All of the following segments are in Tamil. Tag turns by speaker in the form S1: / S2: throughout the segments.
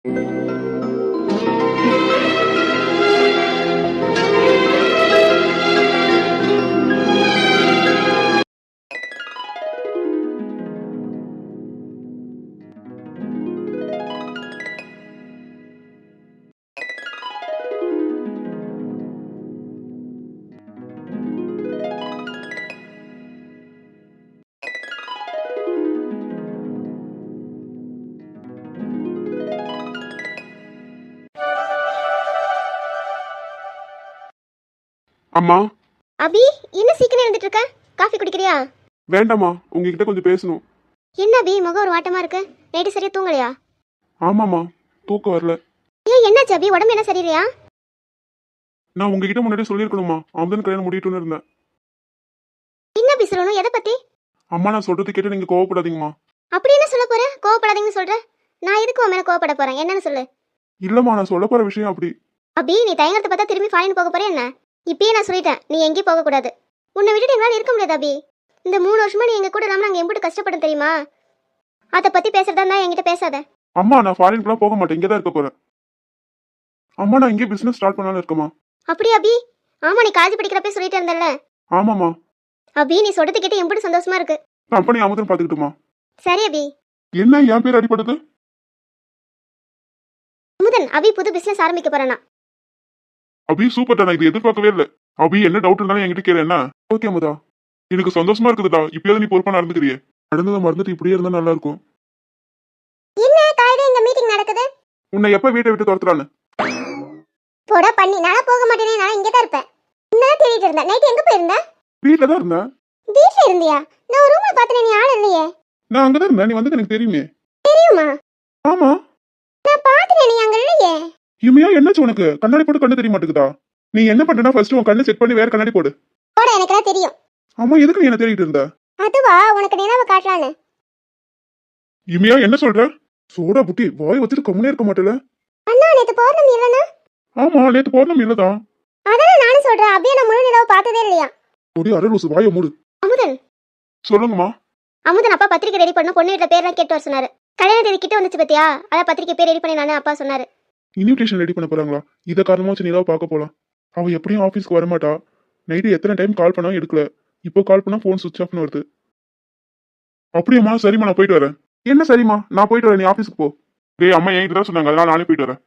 S1: அம்மா.
S2: அபி, என்ன சீக்கிரம் எழுந்துட்டு இருக்க? காஃபி குடிக்கிறியா?
S1: வேண்டாமா, உங்ககிட்ட கொஞ்சம் பேசணும்.
S2: என்ன அபி, முகம் ஒரு வாட்டமா இருக்கு. நைட்டு சரியா தூங்கலையா?
S1: ஆமாமா, தூக்கம் வரல.
S2: ஏன் என்னாச்சு அபி, உடம்பு என்ன சரியில்லையா?
S1: நான் உங்ககிட்ட முன்னாடியே சொல்லியிருக்கணுமா, அமுதன் கல்யாணம் முடியட்டும்னு இருந்தேன்.
S2: என்ன அபி சொல்லணும்? எதை பத்தி?
S1: அம்மா, நான் சொல்றது கேட்டு நீங்க கோவப்படாதீங்கம்மா.
S2: அப்படி என்ன சொல்ல போற? கோவப்படாதீங்கன்னு சொல்ற. நான் எதுக்கு உன் மேல கோவப்பட போறேன்? என்னன்னு சொல்லு.
S1: இல்லம்மா, நான் சொல்ல போற விஷயம் அப்படி.
S2: அபி, நீ தயங்கறத பார்த்தா திரும்பி ஃபாரின் போக போறே என்ன? இப்பயே நான் சொல்லிட்டேன், நீ எங்கேயும் போக கூடாது. உன்னை விட்டுட்டு எங்களால இருக்க முடியாது அபி. இந்த 3 வருஷமா நீ எங்க கூட இல்லாம நாங்க எம்பிட்டு கஷ்டப்படும் தெரியுமா? அதை பத்தி பேசுறதா இருந்தா என்கிட்ட பேசாத.
S1: அம்மா, நான் ஃபாரின்க்குலாம் போக மாட்டேன், இங்கே தான் இருக்க போறேன். அம்மா, நான் இங்கே பிசினஸ் ஸ்டார்ட் பண்ணலாம்னு இருக்கேம்மா.
S2: அப்படி அபி? ஆமா, நீ காலேஜ் படிக்கிறப்ப சொல்லிட்டு இருந்தல்ல.
S1: ஆமாம்மா.
S2: அபி, நீ சொல்றது கேட்டு எம்பிட்டு சந்தோஷமா இருக்கு.
S1: கம்பெனி அமுதன் பாத்துக்கிட்டுமா?
S2: சரி அபி.
S1: என்ன என் பேர் அடிபடுது?
S2: அமுதன், அபி புது பிசினஸ் ஆரம்பிக்க போறானா?
S1: அபி சூப்பர்டா, நான் இது எதிர்பார்க்கவே இல்லை. அபி, என்ன டவுட் இருந்தாலும் என்கிட்ட கேளு. என்ன? ஓகே அமுதா, எனக்கு சந்தோஷமா இருக்குதுடா. இப்பயாவது நீ பொறுப்பா நடந்துக்கிறியே. நடந்ததை மறந்துட்டு இப்படியே இருந்தா நல்லா இருக்கும்.
S2: என்ன காலையில இந்த மீட்டிங் நடக்குது?
S1: உன்னை எப்ப வீட்டை விட்டு துரத்துறான்னு?
S2: போடா பண்ணி, நான் போக மாட்டேனே, நான் இங்கே தான் இருப்பேன். நான் தேடிட்டு இருந்தேன். நைட் எங்க போயிருந்த?
S1: வீட்டுல தான் இருந்தேன்.
S2: வீட்ல இருந்தியா? நான் ரூம்ல பார்த்தேன், நீ ஆள் இல்லையே.
S1: நான் அங்கதான் இருந்தேன், நீ வந்தது எனக்கு தெரியுமே.
S2: தெரியுமா?
S1: ஆமா.
S2: நான் பார்த்தேன், நீ அங்க இல்லையே.
S1: இமையா, என்னாச்சு உனக்கு? கண்ணாடி போட்டு கண்ணு தெரிய மாட்டேங்குதா? நீ என்ன பண்றனா, ஃபர்ஸ்ட் உன் கண்ணு செக் பண்ணி வேற கண்ணாடி போடு.
S2: போடா, எனக்குலாம் தெரியும்.
S1: ஆமா, எதுக்கு நீ என்ன தேடிட்டு இருந்த?
S2: அதுவா, உனக்கு நினைவு காட்டலான்னு.
S1: இமையா, என்ன சொல்ற? சோடா புட்டி, வாய் வச்சுட்டு கம்முனே இருக்க மாட்டேல.
S2: அண்ணா, நேத்து பௌர்ணமி இல்லனா?
S1: ஆமா, நேத்து பௌர்ணமி இல்லதான்.
S2: அதான் நானும் சொல்றேன், அப்படியே நான் முழு நிலவு பார்த்ததே இல்லையா.
S1: ஒரே அரலூசு, வாயை மூடு.
S2: அமுதன்.
S1: சொல்லுங்கம்மா.
S2: அமுதன், அப்பா பத்திரிக்கை ரெடி பண்ண பொண்ணு வீட்டுல பேர்லாம் கேட்டு வர சொன்னாரு. கல்யாண தேதி கிட்ட வந்துச்சு பத்தியா? அதான் பத்திரிக்கை பேர் ரெடி பண்ணி நானே அப்பா சொன்னாரு.
S1: இன்விடேஷன் ரெடி பண்ண போறாங்களா? இதை காரணமா வச்சு நிலாவை பார்க்க போலாம். அவ எப்படியும் ஆஃபீஸ்க்கு வரமாட்டா. நைட்டு எத்தனை டைம் கால் பண்ணா எடுக்கல. இப்போ கால் பண்ணா ஃபோன் சுவிட்ச் ஆஃப்னு வருது. அப்படியாம்மா, சரிம்மா, நான் போயிட்டு வரேன். என்ன சரிம்மா, நான் போயிட்டு வரேன், நீ ஆஃபீஸ்க்கு போ. டேய், அம்மா என்கிட்ட தான் சொன்னாங்க, அதனால நானே போயிட்டு வரேன்.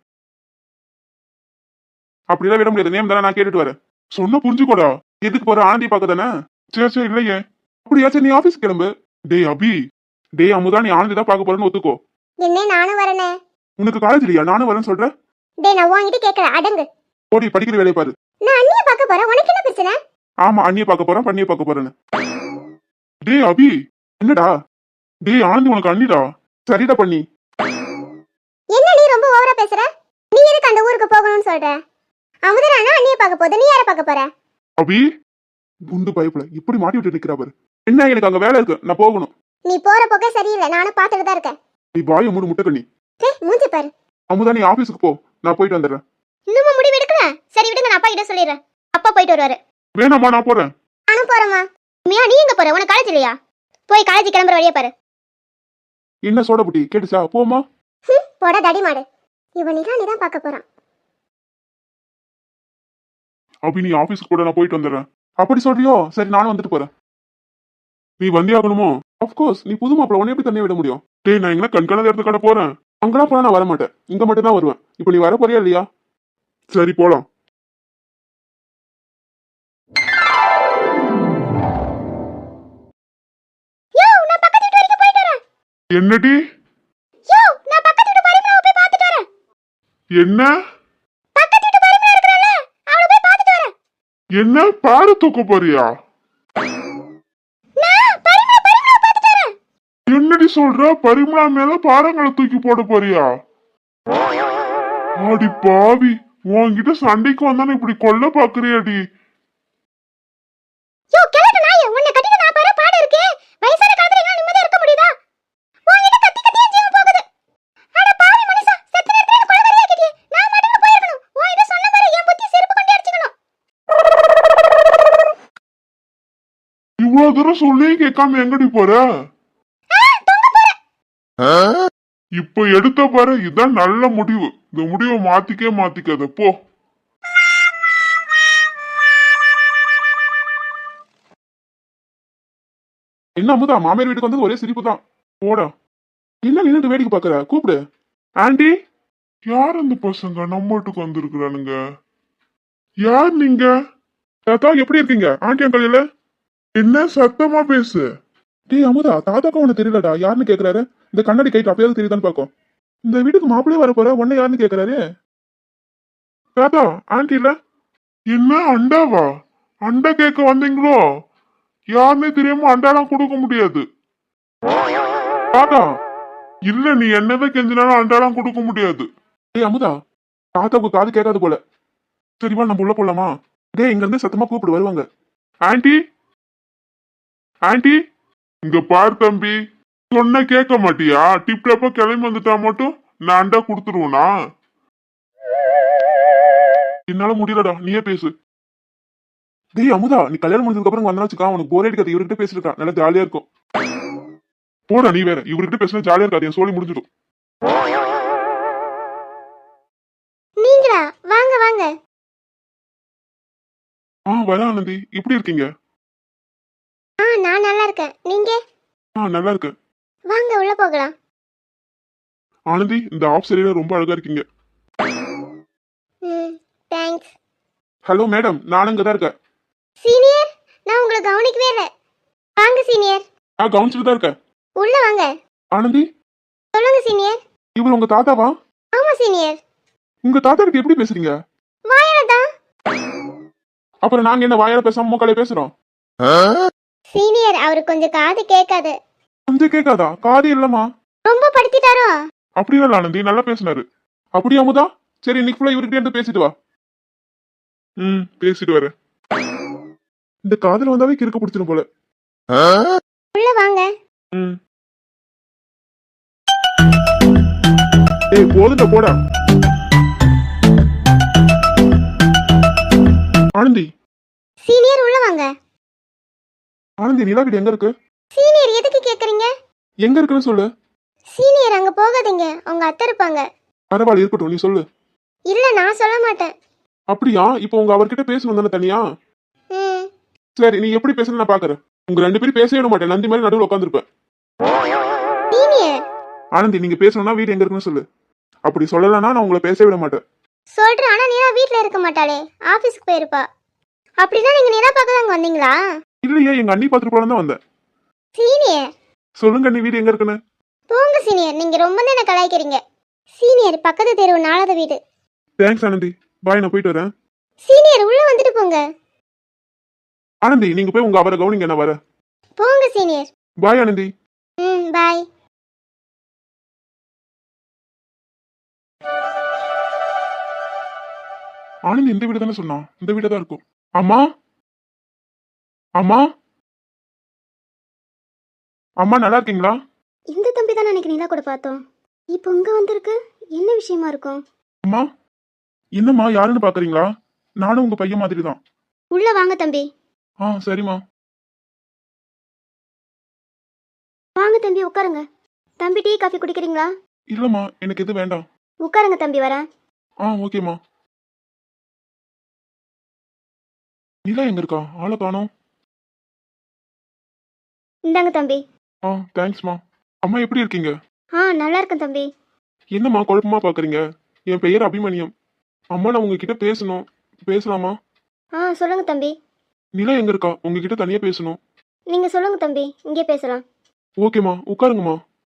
S1: அப்படிதான் விட முடியாது, நேம் தானே, நான் கேட்டுட்டு வரேன். சொன்ன புரிஞ்சுக்கோடா. எதுக்கு போற? ஆனந்தி பார்க்க தானே. சரி சரி, இல்லையே. அப்படியாச்சும் நீ ஆஃபீஸ் கிளம்பு. டேய் அபி, டேய் அமுதா, நீ ஆனந்தி தான் பார்க்க போறேன்னு ஒத்துக்கோ.
S2: என்ன, நானும் வரேனே.
S1: உனக்கு காலேஜ் இல்லையா? நானும் வரேன்னு சொல்றேன்.
S2: டேய், நான் உன்கிட்ட கேட்கல, அடங்கு.
S1: போடி, படிக்கிற வேலையை பாரு.
S2: நான் அண்ணிய பார்க்க போறேன், உனக்கு என்ன பிரச்சனை?
S1: ஆமா, அண்ணியை பார்க்க போறேன், பண்ணியை பார்க்க போறேன்னு. டேய் அபி, என்னடா? டேய் ஆனந்தி உனக்கு அண்ணிடா. சரிடா பண்ணி.
S2: என்ன நீ ரொம்ப ஓவரா பேசுற? நீ எதுக்கு அந்த ஊருக்கு போகணும்னு சொல்ற? அமுதனா அண்ணிய பார்க்க போகுது, நீ யாரை பார்க்க போற?
S1: அபி, குண்டு பைப்ல இப்படி மாட்டி விட்டு நிக்கிறா பாரு. என்ன, எனக்கு அங்க வேலை இருக்கு, நான் போகணும்.
S2: நீ போற போக்கே சரியில்லை, நானும் பார்த்துட்டு தான் இருக்கேன்.
S1: நீ வாயை மூடு, முட்டை கண்ணி.
S2: மூஞ்சி பாரு.
S1: அமுதா, நீ ஆபீஸ்க்கு போ, நான் போயிட்டு வந்துடுறேன்.
S2: இன்னும் முடிவு எடுக்கல? சரி விடுங்க, நான் அப்பா கிட்ட சொல்லிடுறேன். அப்பா போயிட்டு வருவாரு.
S1: வேணாமா, நான் போறேன்.
S2: நானும் போறேம்மா. உண்மையா நீ எங்க போற? உனக்கு காலேஜ் இல்லையா? போய் காலேஜ் கிளம்புற வழியை பாரு.
S1: என்ன சோடா புட்டி, கேட்டுச்சா? போமா.
S2: போட தடி மாடு. இவன் நீதான் பார்க்க போறான்.
S1: அபி, நீ ஆபீஸ்க்கு கூட, நான் போயிட்டு வந்துடுறேன். அப்படி சொல்றியோ? சரி, நானும் வந்துட்டு போறேன். நீ வந்தே ஆகணுமோ? அப்கோர்ஸ், நீ புது மாப்பிள்ள, உன்னை எப்படி தனியா விட முடியும்? டேய், நான் எங்க கண்காணாத இடத்து கடை போறேன். அங்கெல்லாம் போனா நான் வர மாட்டேன், இங்க மட்டும் தான் வருவேன். இப்போ நீ வர போறியா இல்லையா? சரி, போலாம். என்னடி? என்ன என்ன பாரு, தூக்க போறியா? என்னடி சொல்ற? பரிமளா மேல பாறங்களை தூக்கி போட போறியா? ஆடி பாவி, உன்கிட்ட சண்டைக்கு வந்தானே இப்படி கொல்ல பாக்குறியாடி? இவ்வளவு தூரம் சொல்லி கேட்காம எங்கடி போற?
S3: இப்ப எடுத்த பாரு, இதுதான் நல்ல முடிவு. இந்த முடிவை மாத்திக்காத போ.
S1: என்ன அமுதா, மாமியார் வீட்டுக்கு வந்து ஒரே சிரிப்பு தான். போடா. என்ன நின்னுட்டு வேடிக்கை பாக்குற? கூப்பிடு. ஆண்டி.
S3: யார் அந்த பசங்க நம்ம வீட்டுக்கு வந்திருக்கிறானுங்க? யார் நீங்க?
S1: தாத்தா எப்படி இருக்கீங்க? ஆண்டி அங்கிள் இல்ல?
S3: என்ன சத்தமா பேசு.
S1: டேய் அமுதா, தாத்தாக்கும் உனக்கு தெரியலடா. யாருன்னு கேக்குறாரு. இந்த கண்ணாடி கைட்டு அப்பயாவது தெரியுதான்னு பாக்கும். இந்த வீட்டுக்கு மாப்பிள்ளையே வர போற உன்ன யாருன்னு கேக்குறாரு. தாத்தா, ஆண்டி இல்ல?
S3: என்ன அண்டாவா? அண்டா கேட்க வந்தீங்களோ? யாருன்னே தெரியாம அண்டாலாம் கொடுக்க முடியாது.
S1: தாத்தா.
S3: இல்ல, நீ என்னதான் கெஞ்சினாலும் அண்டாலாம் கொடுக்க முடியாது.
S1: டேய் அமுதா, தாத்தாவுக்கு காது கேட்காது போல. சரிவா, நம்ம உள்ள போலாமா? டேய், இங்க இருந்து சத்தமா கூப்பிடு, வருவாங்க. ஆண்டி. ஆண்டி.
S3: இங்க பார் தம்பி, சொன்ன கேட்க மாட்டியா? டிப் டாப்பா கிளம்பி வந்துட்டா மட்டும் நான் அண்டா கொடுத்துருவனா?
S1: என்னால முடியலடா, நீயே பேசு. டேய் அமுதா, நீ கல்யாணம் முடிஞ்சதுக்கு அப்புறம் வந்தா வச்சுக்கா, உனக்கு போரே அடிக்காது. இவர்கிட்ட பேசிருக்கா, நல்லா ஜாலியா இருக்கும். போடா நீ வேற, இவர்கிட்ட பேசினா ஜாலியா இருக்காது, என் சோழி முடிஞ்சிடும்.
S2: நீங்களா? வாங்க வாங்க.
S1: வர ஆனந்தி, எப்படி இருக்கீங்க?
S2: நான் நல்லா இருக்கேன். நீங்க?
S1: நல்லா இருக்கு.
S2: வாங்க உள்ள போகலாம்.
S1: ஆனந்தி, இந்த ஆஃப் சரியில ரொம்ப அழகா இருக்கீங்க.
S2: தேங்க்ஸ்.
S1: ஹலோ மேடம், நான் இங்க தான் இருக்கேன்.
S2: சீனியர், நான் உங்களை கவனிக்கவே இல்லை. வாங்க சீனியர்.
S1: நான் கவனிச்சுட்டு தான் இருக்கேன்.
S2: உள்ள வாங்க.
S1: ஆனந்தி.
S2: சொல்லுங்க சீனியர்.
S1: இவர் உங்க தாத்தாவா?
S2: ஆமா சீனியர்.
S1: உங்க தாத்தா கிட்ட எப்படி பேசுறீங்க?
S2: வாயால தான்.
S1: அப்புறம் நாங்க என்ன வாயால பேசாம மூக்காலே பேசுறோம்?
S2: சீனியர், அவரு கொஞ்சம் காது கேட்காது.
S1: கொஞ்சம் கேட்காதா? காது இல்லமா.
S2: ரொம்ப படுத்திட்டாரோ?
S1: அப்படி இல்ல ஆனந்தி, நல்லா பேசினாரு. அப்படியே அமுதா, சரி இன்னைக்கு ஃபுல்லா இவர்கிட்ட இருந்து பேசிட்டு வா. பேசிட்டு வரேன். இந்த காதல் வந்தாவே கிறுக்க பிடிச்சிடும் போல.
S2: உள்ள வாங்க.
S1: ஏய் போதுண்டா, போடா. ஆனந்தி.
S2: சீனியர் உள்ள வாங்க.
S1: ஆனந்தி, நிலா வீடு எங்க இருக்கு?
S2: சீனியர் எதுக்கு கேக்குறீங்க?
S1: எங்க இருக்குன்னு சொல்லு.
S2: சீனியர் அங்க போகாதீங்க, உங்க அத்தை இருப்பாங்க.
S1: பரவாயில்ல, இருக்கட்டும், நீ சொல்லு.
S2: இல்ல, நான் சொல்ல மாட்டேன்.
S1: அப்படியா? இப்போ உங்க அவர்கிட்ட பேசணும் தானே தனியா? சரி, நீ எப்படி பேசணும் நான் பாக்குறேன். உங்க ரெண்டு பேரும் பேசவே விட மாட்டேன், நந்தி மாதிரி நடுவில் உட்காந்துருப்பேன்.
S2: சீனியர்.
S1: ஆனந்தி, நீங்க பேசணும்னா வீடு எங்க இருக்குன்னு சொல்லு. அப்படி சொல்லலன்னா நான் உங்களை பேசவே விட மாட்டேன்.
S2: சொல்றேன், ஆனா நீலா வீட்ல இருக்க மாட்டாளே, ஆபீஸ்க்கு போயிருப்பா. அப்படின்னா நீங்க நிலா பார்க்க அங்க வந்தீங்களா?
S1: இல்லையே, எங்க அண்ணி பாத்துட்டு போல தான் வந்தேன்.
S2: சீனியர்.
S1: சொல்லுங்க, நீ வீடு எங்க இருக்குன்னு.
S2: போங்க சீனியர், நீங்க ரொம்ப என்ன கலாய்க்கிறீங்க. சீனியர், பக்கத்து தெருவு, 4வது வீடு.
S1: தேங்க்ஸ் ஆனந்தி, பாய், நான் போயிட்டு வரேன்.
S2: சீனியர், உள்ள வந்துட்டு போங்க.
S1: ஆனந்தி, நீங்க போய் உங்க அவரை கவனிங்க, நான் வரேன்.
S2: போங்க senior.
S1: Bye Anandhi.
S2: Bye.
S1: Anandhi இந்த வீடு தானே சொன்னா, இந்த வீடு தான் இருக்கும். அம்மா. அம்மா. அம்மா, நல்லா இருக்கீங்களா?
S2: இந்த தம்பி தான் அன்னைக்கு நிலா கூட பார்த்தோம். இப்போ இங்க வந்திருக்கு. என்ன விஷயமா இருக்கும்?
S1: அம்மா. என்னம்மா, யாருன்னு பாக்குறீங்களா? நானும் உங்க பையன் மாதிரி தான்.
S2: உள்ள வாங்க தம்பி.
S1: சரிம்மா.
S2: வாங்க தம்பி, உட்காருங்க. தம்பி, டீ காஃபி குடிக்கிறீங்களா?
S1: இல்லம்மா, எனக்கு எது வேண்டாம்.
S2: உட்காருங்க தம்பி, வரேன்.
S1: ஓகேம்மா. நிலா எங்க இருக்கா? ஆளை காணோம்.
S2: இந்தாங்க தம்பி.
S1: தேங்க்ஸ்மா. அம்மா, எப்படி இருக்கீங்க?
S2: நல்லா இருக்கேன் தம்பி.
S1: என்னம்மா குழப்பமா பாக்குறீங்க? என் பெயர் அபிமன்யம். அம்மா, நான் உங்ககிட்ட பேசணும். பேசலாமா?
S2: சொல்லுங்க தம்பி.
S1: நிலா எங்க இருக்கா? உங்ககிட்ட தனியா பேசணும்.
S2: நீங்க சொல்லுங்க தம்பி, இங்கே பேசலாம்.
S1: ஓகேம்மா, உட்காருங்கம்மா.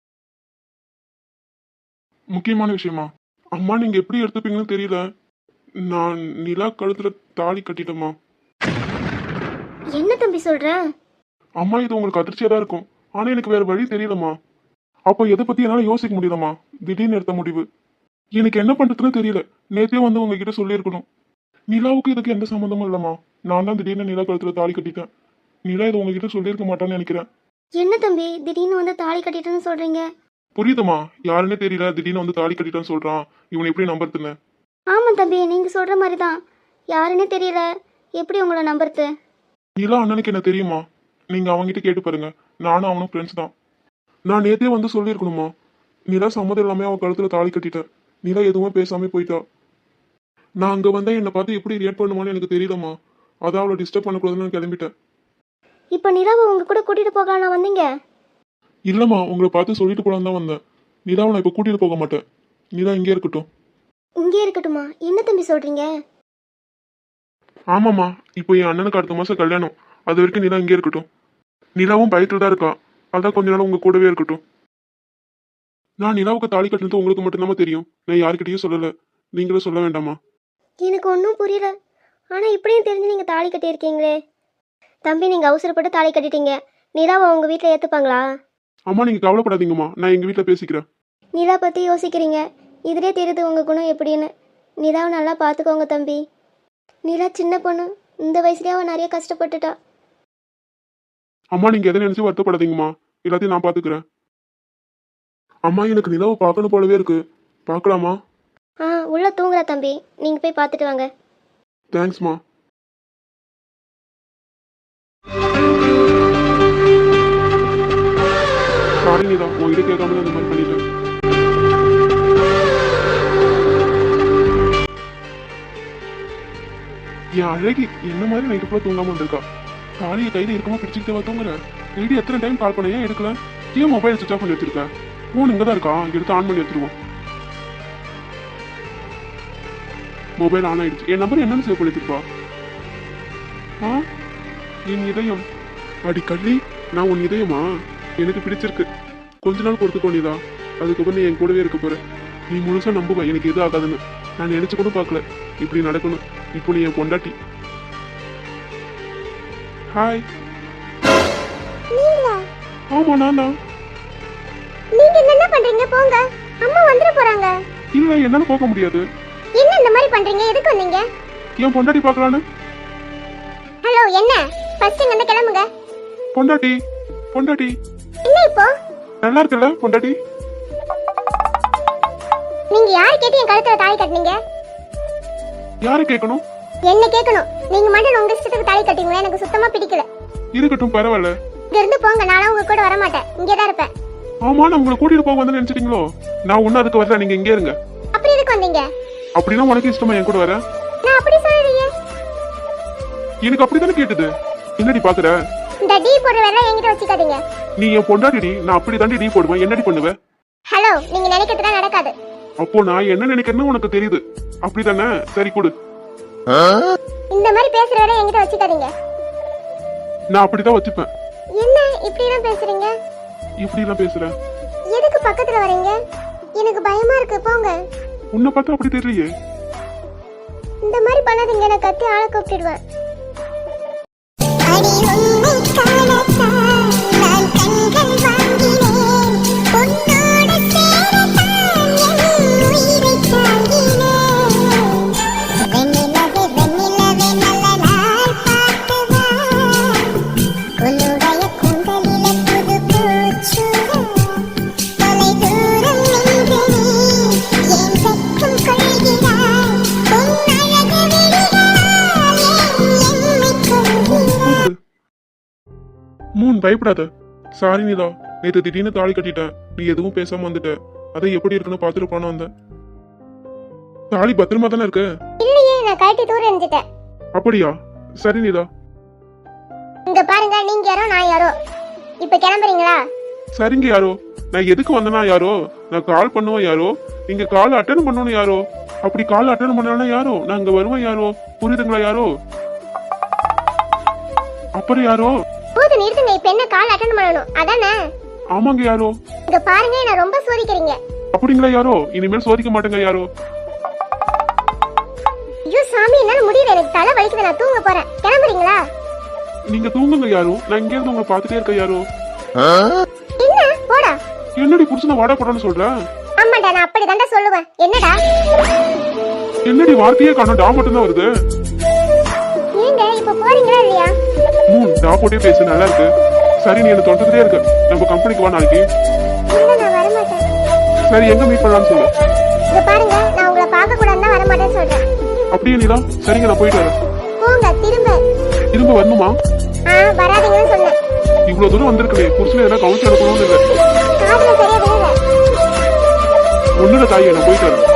S1: முக்கியமான விஷயமா? அம்மா, நீங்க எப்படி எடுத்துப்பீங்கன்னு தெரியல. நான் நிலா கழுத்துல தாலி கட்டிட்டேம்மா.
S2: என்ன தம்பி சொல்ற?
S1: அம்மா, இது உங்களுக்கு அதிர்ச்சியா தான் இருக்கும். ஆனா எனக்கு வேற வழி தெரியலம்மா. அப்போ எதை பத்தி என்னால யோசிக்க முடியலம்மா. திடீர்னு எடுத்த முடிவு. எனக்கு என்ன பண்றதுன்னு தெரியல. நேத்தே வந்து உங்ககிட்ட சொல்லியிருக்கணும். நிலாவுக்கு இதுக்கு எந்த சம்மந்தமும் இல்லம்மா. நான் தான் திடீர்னு நிலா கழுத்துல தாலி கட்டிட்டேன். நிலா இது உங்ககிட்ட சொல்லியிருக்க மாட்டான்னு நினைக்கிறேன்.
S2: என்ன தம்பி, திடீர்னு வந்து தாலி கட்டிட்டேன்னு சொல்றீங்க?
S1: புரியுதுமா, யாருன்னே தெரியல, திடீர்னு வந்து தாலி கட்டிட்டான்னு சொல்றான். இவனை எப்படி நம்புறதுன்னு?
S2: ஆமா தம்பி, நீங்க சொல்ற மாதிரி தான். யாருன்னே தெரியல, எப்படி உங்களை நம்புறது?
S1: நிலா அண்ணனுக்கு என்ன தெரியுமா? நீங்க அவங்ககிட்ட கேட்டு பாருங்க. நானும் அவனும் ஃப்ரெண்ட்ஸ் தான். நான் நேத்தே வந்து சொல்லியிருக்கணுமா. நிலா சம்மதம் இல்லாம அவ கழுத்துல தாலி கட்டிட்டேன். நிலா எதுவுமே பேசாம போயிட்டா. நான் அங்க வந்தா என்னை பார்த்து எப்படி ரியாக்ட் பண்ணுவான்னு எனக்கு தெரியலம்மா. அதான் அவளை டிஸ்டர்ப் பண்ணக்கூடாதுன்னு நான் கிளம்பிட்டேன்.
S2: இப்போ நிலாவை உங்க கூட கூட்டிட்டு போகலாம் வந்தீங்க?
S1: இல்லம்மா, உங்களை பார்த்து சொல்லிட்டு போலான்னு தான் வந்தேன். நிலாவை நான் இப்போ கூட்டிட்டு போக மாட்டேன். நிலா இங்கே இருக்கட்டும்.
S2: இங்கே இருக்கட்டுமா? என்ன தம்பி சொல்றீங்க?
S1: ஆமாம்மா, இப்போ என் அண்ணனுக்கு அடுத்த மாசம் கல்யாணம். அது வரைக்கும் நிலா இங்கே இருக்கட்டும். நிலாவும் பயத்தில் தான் இருக்கா. அதான் கொஞ்ச நாள் உங்க கூடவே இருக்கட்டும். நான் நிலாவுக்கு தாலி கட்டினது உங்களுக்கு மட்டும்தான் தெரியும். நான் யாருக்கிட்டையும் சொல்லலை. நீங்களும் சொல்ல வேண்டாமா?
S2: எனக்கு ஒன்றும் புரியல. ஆனால் இப்படியும் தெரிஞ்சு நீங்கள் தாலி கட்டியிருக்கீங்களே தம்பி. நீங்கள் அவசரப்பட்டு தாலி கட்டிட்டீங்க. நிலாவை உங்கள் வீட்டில் ஏற்றுப்பாங்களா?
S1: அம்மா, நீங்க கவலைப்படாதீங்கம்மா. நான் எங்க வீட்டில் பேசிக்கிறேன்.
S2: நிலா பற்றி யோசிக்கிறீங்க. இதிலே தெரியுது உங்கள் குணம் எப்படின்னு. நிலாவை நல்லா பார்த்துக்கோங்க தம்பி. நிலா சின்ன பொண்ணு. இந்த வயசுலேயே அவள் நிறைய கஷ்டப்பட்டுட்டா.
S1: அம்மா, நீங்க எதை நினைச்சு வருத்தப்படாதீங்கம்மா. எல்லாத்தையும் நான் பாத்துக்கிறேன். அம்மா, எனக்கு நிலாவை பார்க்கணும் போலவே இருக்கு. பார்க்கலாமா?
S2: உள்ள தூங்குறா தம்பி. நீங்கள் போய் பார்த்துட்டு வாங்க.
S1: தேங்க்ஸ்மா. சாரி நிலா, உங்ககிட்ட கேட்காம தான் இந்த மாதிரி பண்ணிட்டேன். என் அழகி என்ன மாதிரி நைட்டு ஃபுல்லாக தூங்காம வந்திருக்கா. தாலியை கையில் இருக்கமா பிடிச்சிக்கிட்டே தூங்குறேன். நைட்டு எத்தனை டைம் கால் பண்ண, ஏன் எடுக்கல? ஏன் மொபைல் சுவிச் ஆஃப் பண்ணி வச்சிருக்கேன்? ஃபோன் இங்கே தான் இருக்கா. எடுத்து ஆன் பண்ணி வச்சிருவோம். மொபைல் ஆன் ஆயிடுச்சு. என் நம்பர் என்னன்னு சேவ் பண்ணி வச்சிருப்பா? என் இதயம். அடி கள்ளி, நான் உன் இதயமா? எனக்கு பிடிச்சிருக்கு. கொஞ்ச நாள் பொறுத்துக்கோ நிலா. அதுக்கப்புறம் நீ என் கூடவே இருக்க போற. நீ முழுசா நம்புவ எனக்கு எதுவும் ஆகாதுன்னு. நான் நினைச்சு கூட பார்க்கல இப்படி நடக்கணும். இப்போ நீ என் பொண்டாட்டி. ஹாய். ஆமா, நான் தான்.
S2: நீங்க என்ன பண்றீங்க? போங்க, அம்மா வந்துட போறாங்க.
S1: இல்ல, என்னால போக முடியாது.
S2: என்ன இந்த மாதிரி பண்றீங்க? எதுக்கு வந்தீங்க?
S1: என் பொண்டாட்டி பார்க்கலான்னு.
S2: ஹலோ, என்ன? ஃபர்ஸ்ட் இங்க இருந்து கிளம்புங்க.
S1: பொண்டாட்டி, பொண்டாட்டி.
S2: என்ன இப்போ?
S1: நல்லா இருக்குல்ல பொண்டாட்டி?
S2: நீங்க யார் கேட்டு என் கழுத்துல தாலி கட்டினீங்க?
S1: யாரு கேட்கணும்?
S2: என்ன கேட்கணும்? நீங்க மட்டும் உங்க இஷ்டத்துக்கு தாலி கட்டிங்க. எனக்கு சுத்தமா பிடிக்கல.
S1: இருக்கட்டும், பரவாயில்ல.
S2: இங்க இருந்து போங்க. நானும் உங்க கூட வர மாட்டேன். இங்கே தான் இருப்பேன்.
S1: ஆமா, நான் உங்களை கூட்டிட்டு போக வந்து நினைச்சிட்டீங்களோ? நான் ஒன்னும் அதுக்கு வரல. நீங்க இங்கே இருங்க.
S2: அப்படி எதுக்கு வந்தீங்க?
S1: அப்படின்னா உனக்கு இஷ்டமா என் கூட வர?
S2: நான் அப்படி சொல்லலையே.
S1: எனக்கு அப்படித்தானே கேட்டது. என்னடி பாக்குற?
S2: இந்த டீ போடுற வேலை என்கிட்ட வச்சுக்காதீங்க.
S1: நீ என் பொண்டாட்டி. நான் அப்படி தாண்டி டீ போடுவேன். என்னடி பண்ணுவ?
S2: ஹலோ, நீங்க நினைக்கிறதுலாம் நடக்காது.
S1: அப்போ நான் என்ன நினைக்கிறேன்னு உனக்கு தெரியுது. அப்படித்தானே? சரி, கொடு.
S2: இந்த மாதிரி பேசுற வேலை என்கிட்ட வச்சுக்காதீங்க.
S1: நான் அப்படிதான் வச்சுப்பேன்.
S2: என்ன இப்படி எல்லாம் பேசுறீங்க?
S1: இப்படி எல்லாம் பேசுறேன்.
S2: எதுக்கு பக்கத்துல வரீங்க? எனக்கு பயமா இருக்கு. போங்க.
S1: உன்னை பார்த்தா அப்படி தெரியலையே.
S2: இந்த மாதிரி பண்ணாதீங்க. நான் கத்தி ஆளை கூப்பிட்டுடுவேன்.
S1: மூன், பயப்படாத. சாரி நிலா, நேற்று திடீர்னு தாலி கட்டிட்டேன். நீ எதுவும் பேசாம வந்துட்ட. அதை எப்படி இருக்குன்னு பாத்துட்டு போன வந்தேன். தாலி பத்திரமா தானே இருக்கு?
S2: இல்லையே, நான் கட்டி தூர எறிஞ்சிட்டேன்.
S1: அப்படியா? சரி நிலா.
S2: இங்க பாருங்க, நீங்க யாரோ நான் யாரோ. இப்ப கிளம்புறீங்களா?
S1: சரிங்க யாரோ. நான் எதுக்கு வந்தேனா யாரோ? நான் கால் பண்ணுவேன் யாரோ. நீங்க கால் அட்டன் பண்ணணும் யாரோ. அப்படி கால் அட்டன் பண்ணலாம் யாரோ. நான் இங்க வருவேன் யாரோ. புரியுதுங்களா யாரோ? அப்புறம் யாரோ?
S2: போது நிறுத்துங்க. இப்ப என்ன கால் அட்டன் பண்ணணும் அதானே?
S1: ஆமாங்க யாரோ.
S2: இங்க பாருங்க, என்ன ரொம்ப சோதிக்கிறீங்க.
S1: அப்படிங்களா யாரோ? இனிமேல் சோதிக்க மாட்டேங்க யாரோ.
S2: ஐயோ சாமி, என்னால முடியல. எனக்கு தலை வலிக்குது. நான் தூங்க போறேன். கிளம்புறீங்களா?
S1: நீங்க தூங்குங்க யாரோ. நான் இங்க இருந்து உங்களை பாத்துட்டே இருக்க யாரோ.
S2: என்ன போடா.
S1: என்னடி புருஷனை வாடா போடான்னு சொல்றேன்?
S2: ஆமாடா, நான் அப்படி தாண்டா சொல்லுவேன். என்னடா?
S1: என்னடி வார்த்தையே காணோம். டா மட்டும் தான் வருது.
S2: நீங்க இப்ப போறீங்களா இல்லையா?
S1: டா போட்டே பேசு, நல்லா இருக்கு. சரி, நீ என்ன தொண்டதே இருக்கு. நம்ம கம்பெனிக்கு வா நாளைக்கு.
S2: இல்ல, நான் வர மாட்டேன்.
S1: சரி, எங்க மீட் பண்ணலாம்னு சொல்லு.
S2: இங்க பாருங்க, நான் உங்களை பார்க்க கூடாதுன்னு வர மாட்டேன்னு சொல்றேன்.
S1: அப்படியே நீலா? சரிங்க, நான் போயிட்டு வரேன்.
S2: போங்க. திரும்ப
S1: வரணுமா?
S2: வராதீங்கன்னு சொன்னேன்.
S1: இவ்வளவு தூரம் வந்திருக்கே. புருஷனை எதனா கவுன்சில் எடுக்கணும்னு இல்லை.
S2: காதுல சரியா விழுங்க.
S1: ஒண்ணுல தாயை நான் போயிட்டு வரேன்